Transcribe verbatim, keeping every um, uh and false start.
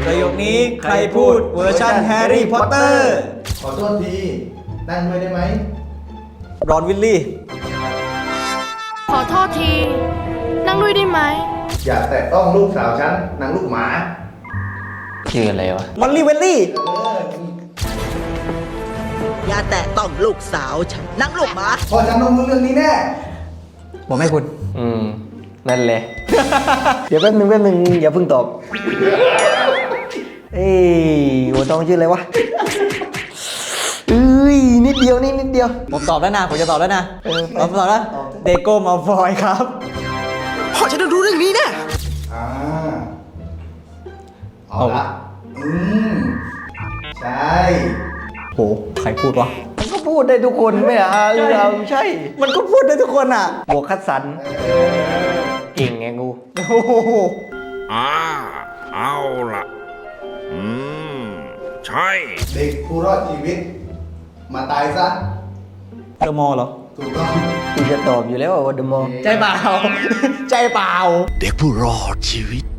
ประโยคนี้ใครพูดเวอร์ชันแฮร์รี่พอตเตอร์ขอโทษที นั่งด้วยได้ไหมรอนวิลลี่ขอโทษที นั่งด้วยได้ไหมอย่าแตะต้องลูกสาวฉันนางลูกหมาชื่ออะไรวะมอลลี่เวลลี่เอออย่าแตะต้องลูกสาวฉันนั่งลูกหมาพอฉันต้องรู้เรื่องนี้แน่ผมให้คุณอืม นั่นเลย เดี๋ยวแป๊บนึงแป๊บนึงอย่าเพิ่งตอบ เอ้ยหัวตองชื่ออะไรวะเอ้ยนิดเดียวนี่นิดเดียวผมตอบแล้วนะ ผมจะตอบแล้วนะเออผมตอบแล้วเดโก้มาฟอยครับพ่อฉันต้องรู้เรื่องนี้แน่อ่า เอาละอืม ใช่โห ใครพูดวะมันก็พูดได้ทุกคนไม่อ่ะเออเอาใช่มันก็พูดได้ทุกคนอ่ะบวกคัดสรรเก่งไงกูโอ้โหอ่าเอาละอืม ใช่เด็กผู้รอดชีวิต มาตายซะเดอะมอลเหรอถูกต้องกูจะตอบอยู่แล้วว่าเดอะมอลใจเปล่า ใจเปล่าเด็กผู้รอดชีวิต